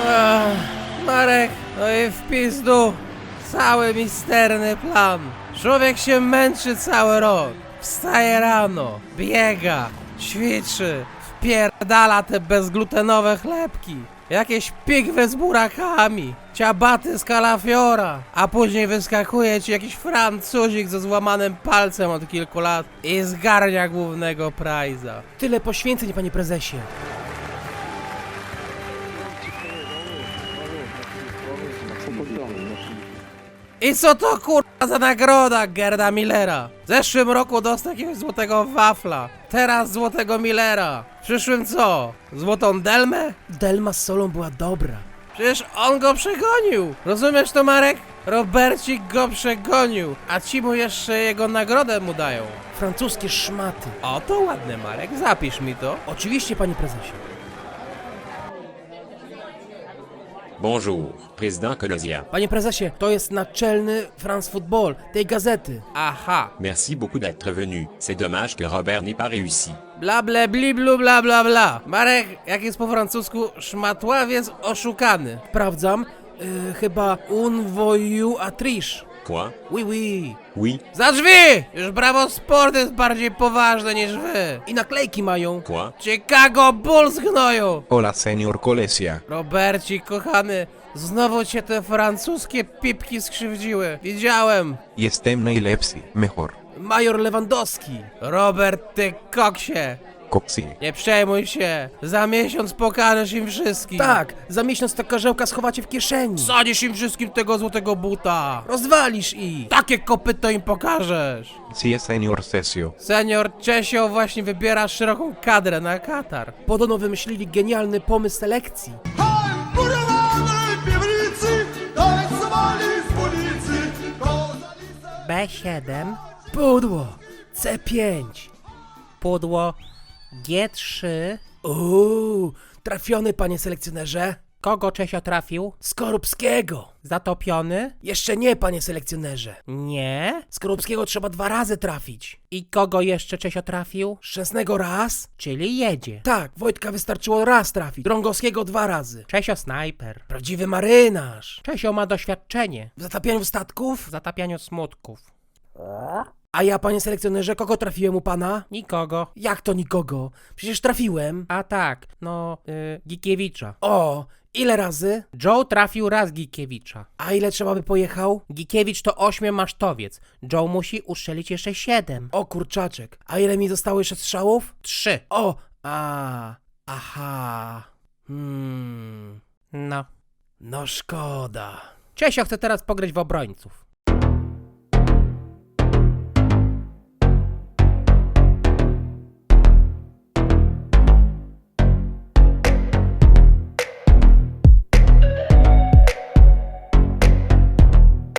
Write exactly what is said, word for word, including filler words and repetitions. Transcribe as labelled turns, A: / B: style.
A: Ach, Marek, no i w pizdu. Cały misterny plan. Człowiek się męczy cały rok. Wstaje rano, biega, ćwiczy, wpierdala te bezglutenowe chlebki. Jakieś pigwy z burakami, ciabaty z kalafiora, a później wyskakuje ci jakiś Francuzik ze złamanym palcem od kilku lat i zgarnia głównego prajza. Tyle poświęceń, panie prezesie. I co to kurwa za nagroda Gerda Millera? W zeszłym roku dostał jakiegoś złotego wafla, teraz złotego Millera. W przyszłym co? Złotą Delmę? Delma z solą była dobra. Przecież on go przegonił. Rozumiesz to, Marek? Robercik go przegonił, a ci mu jeszcze jego nagrodę mu dają. Francuskie szmaty. O, to ładne, Marek, zapisz mi to. Oczywiście, panie prezesie.
B: Bonjour, président Colosia.
A: Panie prezesie, to jest naczelny France Football, tej gazety. Aha.
B: Merci beaucoup d'être venu. C'est dommage que Robert n'ait pas réussi.
A: Bla bla bli blu bla bla bla. Marek, jak jest po francusku, szmatławiec oszukany. Sprawdzam, yy, chyba un voyou à triche.
B: Quoi?
A: Oui, oui.
B: Oui.
A: Za drzwi! Już Bravo Sport jest bardziej poważne niż wy. I naklejki mają.
B: Quoi?
A: Chicago Bulls gnoju.
C: Hola, señor Colesia.
A: Robercik, kochany, znowu cię te francuskie pipki skrzywdziły. Widziałem.
C: Jestem najlepszy, mejor.
A: Major Lewandowski. Robert, ty koksie.
C: Coxi.
A: Nie przejmuj się, za miesiąc pokażesz im wszystkim. Tak, za miesiąc ta karzełka schowacie w kieszeni. Sadzisz im wszystkim tego złotego buta. Rozwalisz ich. Takie kopyto im pokażesz.
C: Sí, señor Cesio.
A: Senior Czesio właśnie wybiera szeroką kadrę na Katar. Podobno wymyślili genialny pomysł selekcji. B siedem. Pudło. C pięć. Pudło. G trzy. Uuu, trafiony, panie selekcjonerze. Kogo Czesio trafił? Skorupskiego. Zatopiony? Jeszcze nie, panie selekcjonerze. Nie? Skorupskiego trzeba dwa razy trafić. I kogo jeszcze Czesio trafił? Szczęsnego raz. Czyli jedzie. Tak, Wojtka wystarczyło raz trafić. Drągowskiego dwa razy. Czesio snajper. Prawdziwy marynarz. Czesio ma doświadczenie. W zatapianiu statków? W zatapianiu smutków. A ja, panie selekcjonerze, kogo trafiłem u pana? Nikogo. Jak to nikogo? Przecież trafiłem. A tak, no, yy, Gikiewicza. O, ile razy? Joe trafił raz Gikiewicza. A ile trzeba by pojechał? Gikiewicz to ośmiomasztowiec. Joe musi uszczelić jeszcze siedem. O kurczaczek. A ile mi zostało jeszcze strzałów? Trzy. O, a, aha. Hmm. No. No szkoda. Czesio chce teraz pograć w obrońców.